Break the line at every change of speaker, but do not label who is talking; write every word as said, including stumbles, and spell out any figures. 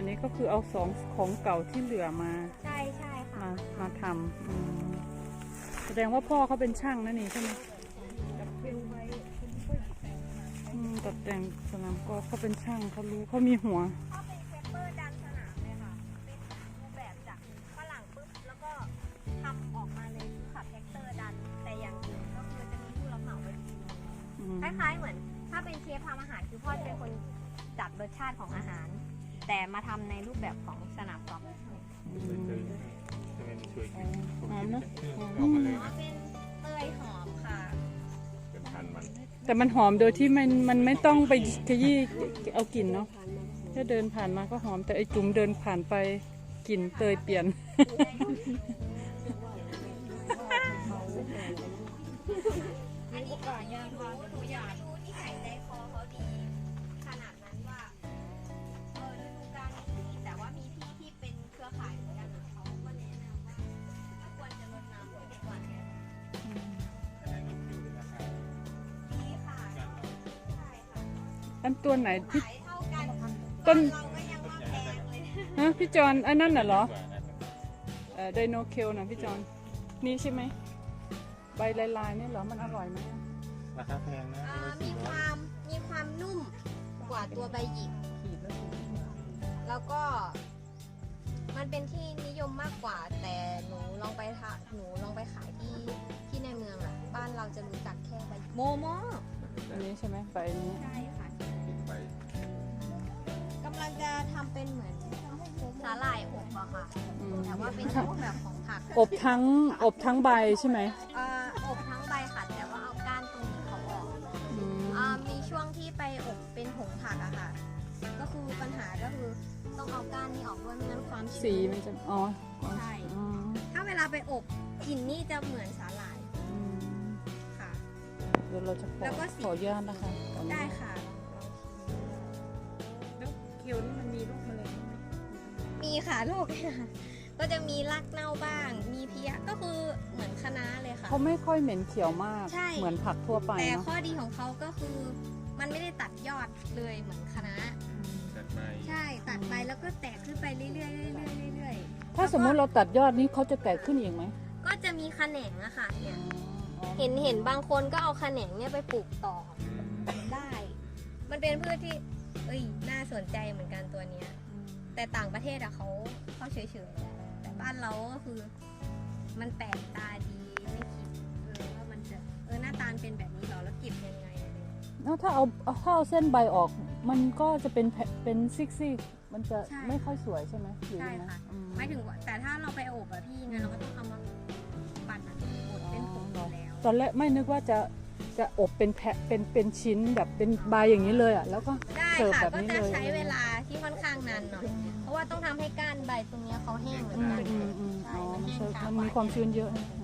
นนี้ก็คือเอาสองของเก่าที่เหลือมา
ใช่ใช่ค่ะ
มามาทำอืมแสดงว่าพ่อเขาเป็นช่างนั่นนี่ใช่ไหมอืมตัดแต่งสนามกอล์ฟเขาเป็นช่างเขารู้เขามีหัว
ก็เป็นเปเปอร์ดันสนามเลยค่ะเป็นรูปแบบจากฝรั่งปุ๊บแล้วก็ทำออกมาเลยคือขับแท็กเตอร์ดันแต่อย่างอื่นก็คือจะมีผู้รับเหมาไว้ทีนึง
อืม
คล้ายๆเหมือนถ้าเป็นเชฟทำอาหารคือพ่อจะเป็นคนจัดรสชาติของอาหาร แต่มาทำในรูปแบบของสนามกอล์ฟ
อืม
จะเป็นช่วย
หอมนะ
ออกมาเลย
อ๋อ
นะ
เป็นเตยหอมค่ะ
เป็นพันมัน
แต่มันหอมโดยที่มันมันไม่ต้องไปขยี้เอากลิ่นเนาะแค่เดินผ่านมาก็หอมแต่ไอจุ๋มเดินผ่านไปกลิ่นเตยเปลี่ยน
อันนี้ก่อนยังหนูหนูยังไม่รู้ที่ไหนใจคอเขาดีขนาดนั้นว่าเออฤดูกาลนี้แต่ว่ามีพี่ที่เป็นเครือข่ายเหมือนกันเขาก็แนะนำว่าก็ควรจะรดน้ำให้ดีกว่านี้ดีค่ะใช่ค่ะ
อันตัวไหนพี่
ขายเท่ากัน
ต้น
เราก็ยังว่าแพงเลย
ฮะพี่จอนอันนั้นน่ะเหรอเอ่อไดโนเคลนะพี่จอนนี่ใช่ไหมใบลายๆนี่เหรอมันอร่อยไหม
ราคาแพงนะ
เอ่อมีความมีความนุ่มกว่าตัวใบหยิก แล้วก็มันเป็นที่นิยมมากกว่า แต่หนูลองไปทาหนูลองไปขายที่ที่ในเมืองอะบ้านเราจะรู้จักแค่ใบโมโม
อันนี้ใช่ไหมใบนี้
ใช่ค่ะ
ไป
กำลังจะทำเป็นเหมือนสาหร่ายอบอะค่ะ
อืม
แต่ว่าเป็นรูปแบบของผัก
อบทั้งอบทั้งใบใช่ไหม
เอ่ออบทั้งใบค่ะแต่ว่าเอาก้านตรงนี้เขาออก
อืม
อ่ามีช่วงที่ไปอบเป็นผงผักอะค่ะ ก็คือปัญหาก็คือต้องเอาก้านนี้ออกด้วยไม่งั้นความ
สี
ชื้น
มันจะอ๋อ
ใช่
อืม
ถ้าเวลาไปอบกลิ่นนี่จะเหมือนสาหร่าย
อืม
ค่ะ
เดี๋ยวเราจะขอ
แล้วก็สี
ขออนุญาตนะคะตอนนี้
ได้ค่ะ
แล้วเคียวนี่มันมีลูกแมลงไหม
มีค่ะลูก ก็จะมีรากเน่าบ้าง มีเพี้ยก็คือเหมือนคะน้าเลยค่ะ
เขาไม่ค่อยเหม็นเขียวมาก
ใช่
เหมือนผักทั่วไป
แต่
เนาะ
ข้อดีของเขาก็คือมันไม่ได้ตัดยอดเลยเหมือนคะน้า
จัดไป
ใช่ตัดไปแล้วก็แตกขึ้นไปเรื่อยๆเรื่อยๆเรื่อย
ถ้าสมมุติเราตัดยอดนี้เขาจะแตกขึ้นอีกไหม
ๆก็จะมีแขนงอะค่ะเนี่ย
อ๋อ
เห็นเห็นบางคนก็เอาแขนงเนี่ยไปปลูกต่อได้ มันเป็นพืชที่ เอ้ย น่าสนใจเหมือนกันตัวเนี้ย แต่ต่างประเทศอะเขาเขาเฉยๆ แต่บ้านเราก็คือ มันแปลกตาดีไม่คิดเลยว่ามันจะเออหน้าตาเป็นแบบนี้เหรอแล้วเก็บยังไงอะไรอย่างเงี้ย
แล้วถ้าเอาเอาถ้าเอาเส้นใบออก มันก็จะเป็นแผ่นเป็นซิกซี่มันจะ
ใช่
ไม่ค่อยสวยใช่ไหมหรือ
ใช่
ยังไง
ค่ะ
อืม
ไม่ถึงว่าแต่ถ้าเราไปอบอะพี่งั้นเราก็ต้องเอามาปั่นอะบดเป็นผงอยู่แล้ว
ตอนแรกไม่นึกว่าจะจะอบเป็นแผ่นเป็นเป็นชิ้นแบบเป็นใบอย่างนี้เลยอ่ะแล้วก็
ได้
เสิร์ฟ
ค่ะ
แบบ
ก็
นี้
จะ
เลย
ใช้เวลาที่ค่อนข้างนานหน่อย เพราะว่าต้องทำให้ก้านใบตรงเนี้ยเขาแห้งเหมือน
อืม
กัน
อืมอืม
ใช่
อ๋อ
มันแห้งช้า
มันมีความชื้นเยอะนะ
ใ